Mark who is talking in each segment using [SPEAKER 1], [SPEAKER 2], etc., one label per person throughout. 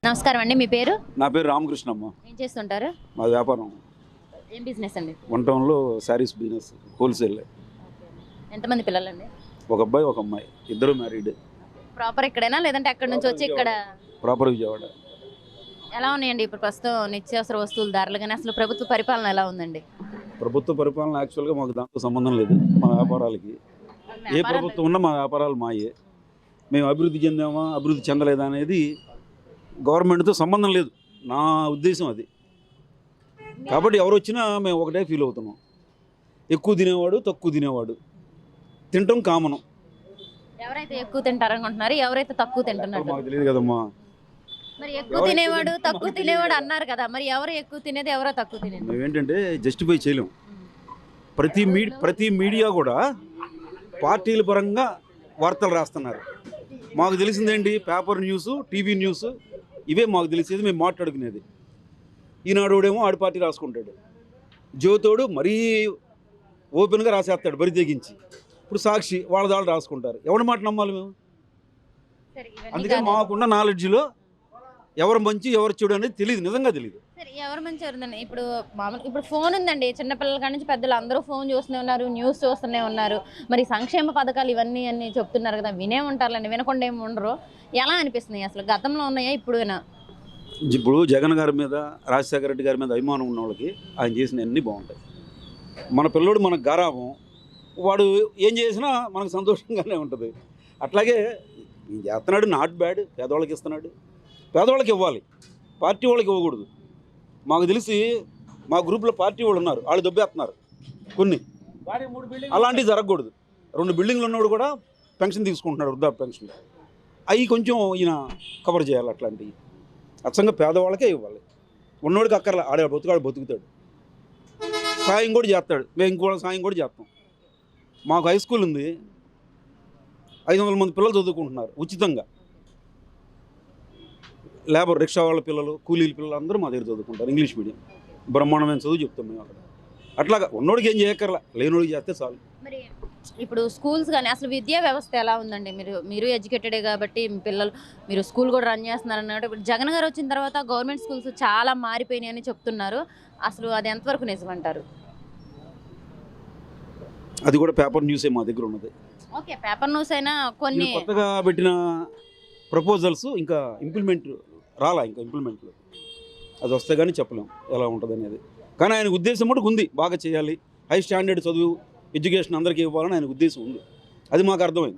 [SPEAKER 1] నమస్కారం అండి. మీ పేరు?
[SPEAKER 2] నా పేరు రామకృష్ణమ్మ.
[SPEAKER 1] ఏం చేస్తుంటారు?
[SPEAKER 2] మా వ్యాపారం
[SPEAKER 1] ఏం బిజినెస్ అండి?
[SPEAKER 2] వన్ టౌన్లో శారీస్ బిజినెస్ హోల్సేల్.
[SPEAKER 1] ఎంతమంది పిల్లలండి?
[SPEAKER 2] ఒక అబ్బాయి ఒక అమ్మాయి, ఇద్దరు మ్యారీడ్.
[SPEAKER 1] ప్రాపర్ ఇక్కడేనా లేదంటే అక్కడ నుంచి వచ్చి ఇక్కడ?
[SPEAKER 2] ప్రాపర్ విజయవాడ.
[SPEAKER 1] ఎలా ఉన్నాయండి ఇప్పుడు ప్రస్తుతం నిత్యావసర వస్తువుల ధరలు కానీ అసలు ప్రభుత్వ పరిపాలన ఎలా ఉందండి?
[SPEAKER 2] ప్రభుత్వ పరిపాలన యాక్చువల్గా మాకు దాంతో సంబంధం లేదు. మా వ్యాపారాలకి ఏ ప్రభుత్వం ఉన్నా మా వ్యాపారాలు మాయే. మేము అభివృద్ధి చెందామా అభివృద్ధి చెందలేదా అనేది గవర్నమెంట్తో సంబంధం లేదు, నా ఉద్దేశం అది. కాబట్టి ఎవరు వచ్చినా మేము ఒకటే ఫీల్ అవుతున్నాం. ఎక్కువ తినేవాడు తక్కువ తినేవాడు తినటం కామనం.
[SPEAKER 1] ఎవరైతే ఎక్కువ తింటారనుకుంటున్నారు, ఎవరైతే తక్కువ తింటున్నారు
[SPEAKER 2] మాకు తెలియదు కదమ్మా.
[SPEAKER 1] మరి ఎక్కువ తినేవాడు తక్కువ తినేవాడు అన్నారు కదా, మరి ఎవరు ఎక్కువ తినేది ఎవరో తక్కువ తినేది?
[SPEAKER 2] మేమేంటంటే జస్టిఫై చేయలేం. ప్రతి మీడియా కూడా పార్టీల పరంగా వార్తలు రాస్తున్నారు. మాకు తెలిసిందేంటి, పేపర్ న్యూస్, టీవీ న్యూస్, ఇవే మాకు తెలిసేది, మేము మాట్లాడుకునేది. ఈనాడోడేమో ఆడి పార్టీ రాసుకుంటాడు, జ్యోతోడు మరీ ఓపెన్గా రాసేస్తాడు బరి తెగించి. ఇప్పుడు సాక్షి వాళ్ళ దాళ్ళు రాసుకుంటారు. ఎవరి మాట నమ్మాలి మేము? అందుకని మాకున్న నాలెడ్జ్లో ఎవరు మంచి ఎవరు చెడు అనేది తెలియదు, నిజంగా తెలియదు.
[SPEAKER 1] సరే, ఎవరు మంచి ఎవరుందండి? ఇప్పుడు మామూలు ఇప్పుడు ఫోన్ ఉందండి, చిన్నపిల్లల కాడి నుంచి పెద్దలు అందరూ ఫోన్ చూస్తూనే ఉన్నారు, న్యూస్ చూస్తూనే ఉన్నారు. మరి సంక్షేమ పథకాలు ఇవన్నీ అన్నీ చెప్తున్నారు కదా, వినే ఉంటారులేండి, వినకుండా ఏమి ఉండరు. ఎలా అనిపిస్తున్నాయి అసలు? గతంలో ఉన్నాయా ఇప్పుడునా?
[SPEAKER 2] ఇప్పుడు జగన్ గారి మీద, రాజశేఖర రెడ్డి గారి మీద అభిమానం ఉన్న వాళ్ళకి ఆయన చేసిన అన్నీ బాగుంటాయి. మన పిల్లోడు మనకు గారాబం, వాడు ఏం చేసినా మనకు సంతోషంగానే ఉంటుంది. అట్లాగే ఈయన చేస్తున్నాడు, నాట్ బ్యాడ్. పేదవాళ్ళకి ఇస్తున్నాడు, పేదవాళ్ళకి ఇవ్వాలి, పార్టీ వాళ్ళకి ఇవ్వకూడదు. మాకు తెలిసి మా గ్రూప్లో పార్టీ వాళ్ళు ఉన్నారు, వాళ్ళు దొబ్బేస్తున్నారు కొన్ని. అలాంటివి జరగకూడదు. 2 బిల్డింగ్లు ఉన్నవాడు కూడా పెన్షన్ తీసుకుంటున్నాడు, వృద్ధాప్య పెన్షన్. అవి కొంచెం ఈయన కవర్ చేయాలి. అట్లాంటివి అచ్చంగా పేదవాళ్ళకే ఇవ్వాలి. ఉన్నోడికి అక్కర్లే, ఆడే బతుకుతాడు, సాయం కూడా చేస్తాడు. మేము ఇంకో సాయం కూడా చేస్తాం. మాకు హై స్కూల్ ఉంది, 500 మంది పిల్లలు చదువుకుంటున్నారు ఉచితంగా. లేబర్ రిక్షా వాళ్ళ పిల్లలు, కూలీల పిల్లలు అందరూ మా దగ్గర చదువుకుంటారు. ఇంగ్లీష్ మీడియం బ్రహ్మాండమైన చదువు చెప్తాం మేము అక్కడ. అట్లాగా ఉన్నోడికి ఏం చేయక్కర్లా, లేనోడికి చేస్తే చాలు.
[SPEAKER 1] మరి ఇప్పుడు స్కూల్స్ కానీ అసలు విద్యా వ్యవస్థ ఎలా ఉందండి? మీరు ఎడ్యుకేటెడే కాబట్టి మీ పిల్లలు, మీరు స్కూల్ కూడా రన్ చేస్తున్నారు అన్నట్టు. ఇప్పుడు జగన్ గారు వచ్చిన తర్వాత గవర్నమెంట్ స్కూల్స్ చాలా మారిపోయినాయి అని చెప్తున్నారు. అసలు అది ఎంతవరకు నిజమంటారు?
[SPEAKER 2] అది కూడా పేపర్ న్యూసే మా దగ్గర ఉన్నది.
[SPEAKER 1] ఓకే, పేపర్ న్యూస్ అయినా కొన్ని
[SPEAKER 2] కొత్తగా పెట్టిన ప్రపోజల్స్ ఇంకా ఇంప్లిమెంట్ రాలా. ఇంకా ఇంప్లిమెంట్లు అది వస్తే కానీ చెప్పలేం ఎలా ఉంటుంది అనేది. కానీ ఆయన ఉద్దేశం కూడా ఉంది, బాగా చేయాలి, హై స్టాండర్డ్ చదువు ఎడ్యుకేషన్ అందరికీ ఇవ్వాలని ఆయన ఉద్దేశం ఉంది. అది మాకు అర్థమైంది.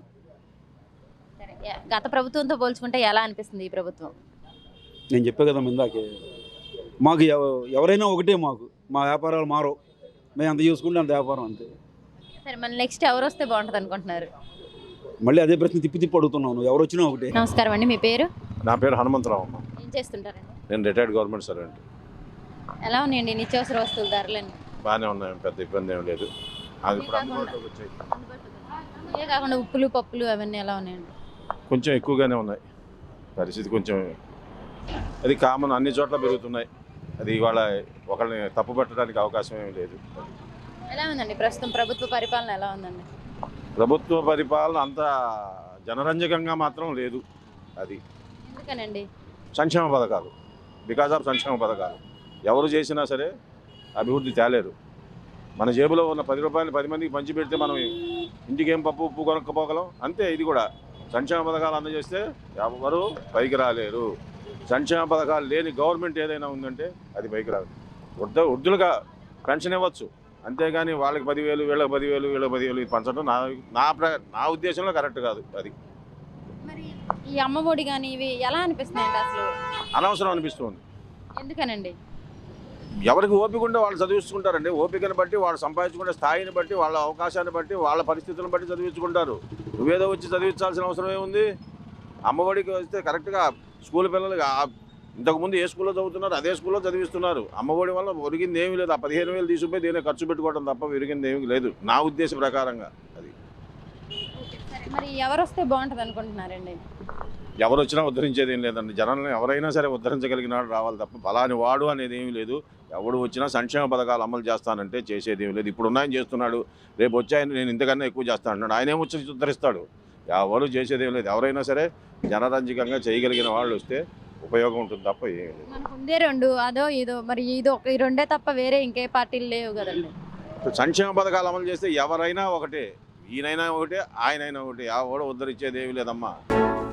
[SPEAKER 1] గత ప్రభుత్వంతో పోల్చుకుంటే ఎలా అనిపిస్తుంది ఈ ప్రభుత్వం?
[SPEAKER 2] నేను చెప్పే కదా ఇందాకే, మాకు ఎవరైనా ఒకటే, మాకు మా వ్యాపారాలు మారవు. మేము అంత చూసుకుంటే అంత వ్యాపారం అంతే.
[SPEAKER 1] సరే, మళ్ళీ నెక్స్ట్ ఎవరు వస్తే బాగుంటుంది అనుకుంటున్నారు?
[SPEAKER 2] మళ్ళీ అదే ప్రశ్న తిప్పి అడుగుతున్నాను, ఎవరు వచ్చినా ఒకటే.
[SPEAKER 1] నమస్కారం అండి. మీ పేరు?
[SPEAKER 3] నా పేరు హనుమంతరావు అమ్మ.
[SPEAKER 1] ఏం చేస్తుంటారండి?
[SPEAKER 3] నేను రిటైర్డ్ గవర్నమెంట్ సర్వెంట్.
[SPEAKER 1] ఎలా ఉన్నాయండి నిత్యావసర వస్తువుల ధరలన్నీ?
[SPEAKER 3] బాగానే ఉన్నాయి, పెద్ద ఇబ్బంది ఏం లేదు. అది ఇప్పుడు అందుబాటులోకి వచ్చాయి.
[SPEAKER 1] ఇవే కాకుండా ఉప్పులు పప్పులు అవన్నీ ఎలా ఉన్నాయండి?
[SPEAKER 3] కొంచెం ఎక్కువగానే ఉన్నాయి. పరిస్థితి కొంచెం అది కామన్, అన్ని చోట్ల పెరుగుతున్నాయి. అది ఇవాళ ఒకరిని తప్పు పట్టడానికి అవకాశం ఏమీ లేదు.
[SPEAKER 1] ఎలా ఉందండి ప్రస్తుతం ప్రభుత్వ పరిపాలన ఎలా ఉందండి?
[SPEAKER 3] ప్రభుత్వ పరిపాలన అంత జనరంజకంగా మాత్రం లేదు. అది
[SPEAKER 1] ఎందుకనండి?
[SPEAKER 3] సంక్షేమ పథకాలు, బికాజ్ ఆఫ్ సంక్షేమ పథకాలు ఎవరు చేసినా సరే అభివృద్ధి తేలేరు. మన జేబులో ఉన్న 10 రూపాయలు 10 మందికి పంచి పెడితే మనం ఇంటికి ఏం పప్పు ఉప్పు కొనుక్కపోగలం అంతే. ఇది కూడా సంక్షేమ పథకాలు అందజేస్తే ఎవరు పైకి రాలేరు. సంక్షేమ పథకాలు లేని గవర్నమెంట్ ఏదైనా ఉందంటే అది పైకి రాదు. వృద్ధులుగా పెన్షన్ ఇవ్వచ్చు, అంతేగాని వాళ్ళకి 10,000 వీళ్ళకి 10,000 వీళ్ళకి 10,000 ఇది పంచడం నా ఉద్దేశంలో కరెక్ట్ కాదు. అది
[SPEAKER 1] మరి ఈ అమ్మఒడి కానీ ఇవి ఎలా అనిపిస్తున్నాయండి అసలు?
[SPEAKER 3] అనవసరం అనిపిస్తుంది.
[SPEAKER 1] ఎందుకనండి?
[SPEAKER 3] ఎవరికి ఓపిక ఉంటే వాళ్ళు చదివించుకుంటారండి. ఓపికను బట్టి, వాళ్ళు సంపాదించుకునే స్థాయిని బట్టి, వాళ్ళ అవకాశాన్ని బట్టి, వాళ్ళ పరిస్థితులను బట్టి చదివించుకుంటారు. నువ్వేదో వచ్చి చదివించాల్సిన అవసరం ఏముంది? అమ్మఒడికి వస్తే కరెక్ట్గా స్కూల్ పిల్లలు ఇంతకుముందు ఏ స్కూల్లో చదువుతున్నారు అదే స్కూల్లో చదివిస్తున్నారు. అమ్మఒడి వల్ల ఒరిగింది ఏమీ లేదు. ఆ 15,000 తీసుకుపోయి దీన్ని ఖర్చు పెట్టుకోవడం తప్ప ఒరిగింది ఏమీ లేదు నా ఉద్దేశ ప్రకారంగా. అది
[SPEAKER 1] మరి ఎవరు వస్తే బాగుంటుంది అనుకుంటున్నారండి?
[SPEAKER 3] ఎవరు వచ్చినా ఉద్ధరించేది ఏం లేదండి. జనాలను ఎవరైనా సరే ఉద్ధరించగలిగిన వాడు రావాలి తప్ప ఫలాని వాడు అనేది ఏమీ లేదు. ఎవడు వచ్చినా సంక్షేమ పథకాలు అమలు చేస్తానంటే చేసేది ఏమీ లేదు. ఇప్పుడు ఉన్నాయని చేస్తున్నాడు, రేపు వచ్చాయని నేను ఇంతకన్నా ఎక్కువ చేస్తాను అంటున్నాడు. ఆయన ఏమి వచ్చి ఉద్ధరిస్తాడు? ఎవరు చేసేది ఏం లేదు. ఎవరైనా సరే జనరంజకంగా చేయగలిగిన వాళ్ళు వస్తే ఉపయోగం ఉంటుంది తప్ప ఏం లేదు.
[SPEAKER 1] మనకు ఉందే రెండు, అదో ఇదో, మరి ఇదో ఈ రెండే తప్ప వేరే ఇంకే పార్టీలు లేవు కదండి.
[SPEAKER 3] ఇప్పుడు సంక్షేమ పథకాలు అమలు చేస్తే ఎవరైనా ఒకటే, ఈయనైనా ఒకటే, ఆయనైనా ఒకటే, ఎవడో ఉద్ధరించేది ఏమీ లేదమ్మా.